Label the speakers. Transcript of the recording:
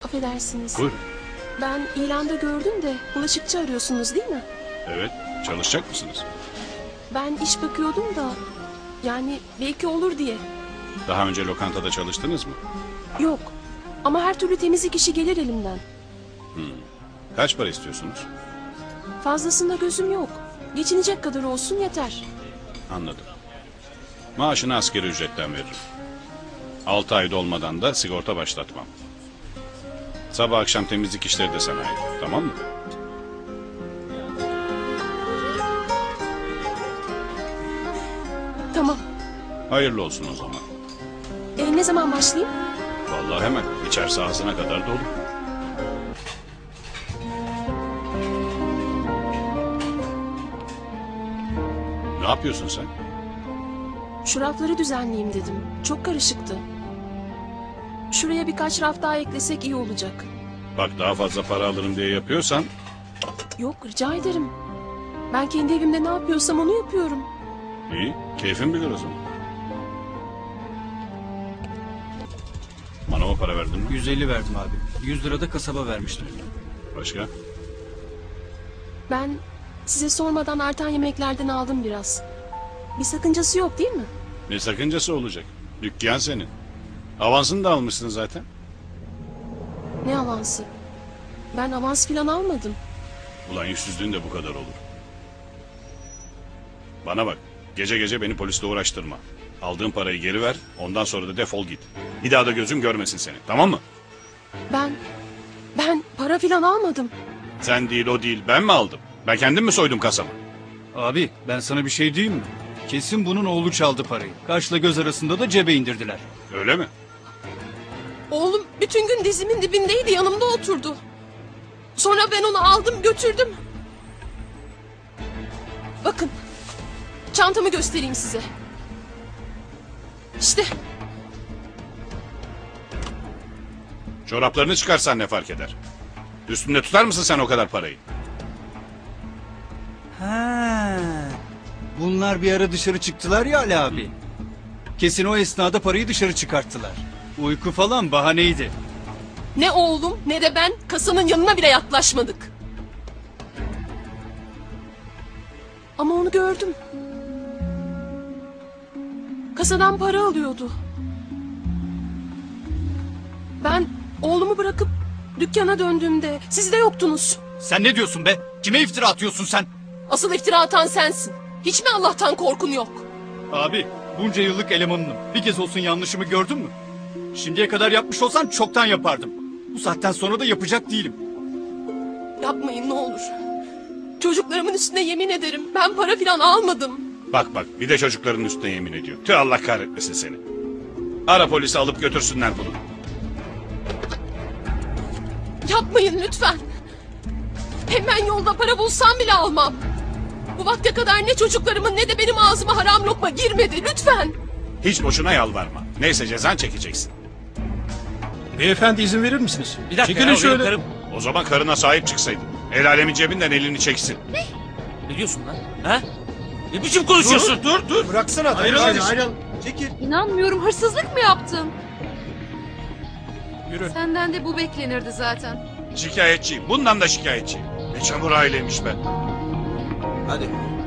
Speaker 1: Affedersiniz.
Speaker 2: Buyurun.
Speaker 1: Ben ilanda gördüm de bulaşıkçı arıyorsunuz değil mi?
Speaker 2: Evet, çalışacak mısınız?
Speaker 1: Ben iş bakıyordum da yani belki olur diye.
Speaker 2: Daha önce lokantada çalıştınız mı?
Speaker 1: Yok ama her türlü temizlik işi gelir elimden.
Speaker 2: Kaç para istiyorsunuz?
Speaker 1: Fazlasında gözüm yok. Geçinecek kadar olsun yeter.
Speaker 2: Anladım. Maaşını asgari ücretten veririm. 6 ay dolmadan da sigorta başlatmam. Sabah akşam temizlik işleri de sana ait, tamam mı?
Speaker 1: Tamam.
Speaker 2: Hayırlı olsun o zaman.
Speaker 1: Ne zaman başlayayım?
Speaker 2: Vallahi hemen, içerisi ağzına kadar dolu. Ne yapıyorsun sen?
Speaker 1: Şu rafları düzenleyeyim dedim. Çok karışıktı. Şuraya birkaç raf daha eklesek iyi olacak.
Speaker 2: Bak daha fazla para alırım diye yapıyorsan...
Speaker 1: Yok rica ederim. Ben kendi evimde ne yapıyorsam onu yapıyorum.
Speaker 2: iyi, keyfin bilir o zaman. Manava para verdin mi?
Speaker 3: 150 verdim abi. 100 lira da kasaba vermiştim.
Speaker 2: Başka?
Speaker 1: Ben size sormadan artan yemeklerden aldım biraz. Bir sakıncası yok değil mi?
Speaker 2: Ne sakıncası olacak? Dükkan senin. Avansını da almışsın zaten.
Speaker 1: Ne avansı? Ben avans filan almadım.
Speaker 2: Ulan yüzsüzlüğün de bu kadar olur. Bana bak, gece gece beni polisle uğraştırma. Aldığın parayı geri ver, ondan sonra da defol git. Bir daha da gözüm görmesin seni, tamam mı?
Speaker 1: Ben para filan almadım.
Speaker 2: Sen değil, o değil, ben mi aldım? Ben kendim mi soydum kasamı?
Speaker 3: Abi ben sana bir şey diyeyim mi? Kesin bunun oğlu çaldı parayı. Kaşla göz arasında da cebe indirdiler.
Speaker 2: Öyle mi?
Speaker 1: Oğlum bütün gün dizimin dibindeydi, yanımda oturdu. Sonra ben onu aldım götürdüm. Bakın, çantamı göstereyim size. İşte.
Speaker 2: Çoraplarını çıkarsan ne fark eder? Üstünde tutar mısın sen o kadar parayı?
Speaker 3: Ha. Bunlar bir ara dışarı çıktılar ya Ali abi. Kesin o esnada parayı dışarı çıkarttılar. Uyku falan bahaneydi.
Speaker 1: Ne oğlum ne de ben kasanın yanına bile yaklaşmadık. Ama onu gördüm. Kasadan para alıyordu. Ben oğlumu bırakıp dükkana döndüğümde siz de yoktunuz.
Speaker 3: Sen ne diyorsun be? Kime iftira atıyorsun sen?
Speaker 1: Asıl iftira atan sensin. Hiç mi Allah'tan korkun yok?
Speaker 3: Abi bunca yıllık elemanınım. Bir kez olsun yanlışımı gördün mü? Şimdiye kadar yapmış olsan çoktan yapardım. Bu saatten sonra da yapacak değilim.
Speaker 1: Yapmayın ne olur. Çocuklarımın üstüne yemin ederim ben para filan almadım.
Speaker 2: Bak bak, bir de çocukların üstüne yemin ediyor. Tüh, Allah kahretmesin seni. Ara polisi alıp götürsünler bunu.
Speaker 1: Yapmayın lütfen. Hem ben yolda para bulsam bile almam. Bu vakte kadar ne çocuklarımın ne de benim ağzıma haram lokma girmedi lütfen.
Speaker 2: Hiç boşuna yalvarma. Neyse cezan çekeceksin.
Speaker 4: Beyefendi izin verir misiniz?
Speaker 5: Bir dakika
Speaker 4: Çekilin
Speaker 5: ya,
Speaker 4: şöyle.
Speaker 5: karım.
Speaker 2: O zaman karına sahip çıksaydın. El alemin cebinden elini çeksin.
Speaker 5: Ne diyorsun lan? Ha? Ne biçim konuşuyorsun?
Speaker 4: Dur.
Speaker 6: Bıraksana adamı.
Speaker 4: Ayrıl,
Speaker 6: Ayrıl.
Speaker 4: ayrıl.
Speaker 6: Çekil.
Speaker 7: İnanmıyorum, hırsızlık mı yaptın?
Speaker 4: Yürü.
Speaker 7: Senden de bu beklenirdi zaten.
Speaker 2: Şikayetçiyim. Bundan da şikayetçiyim. Ne çamur aileymiş be.
Speaker 6: Hadi.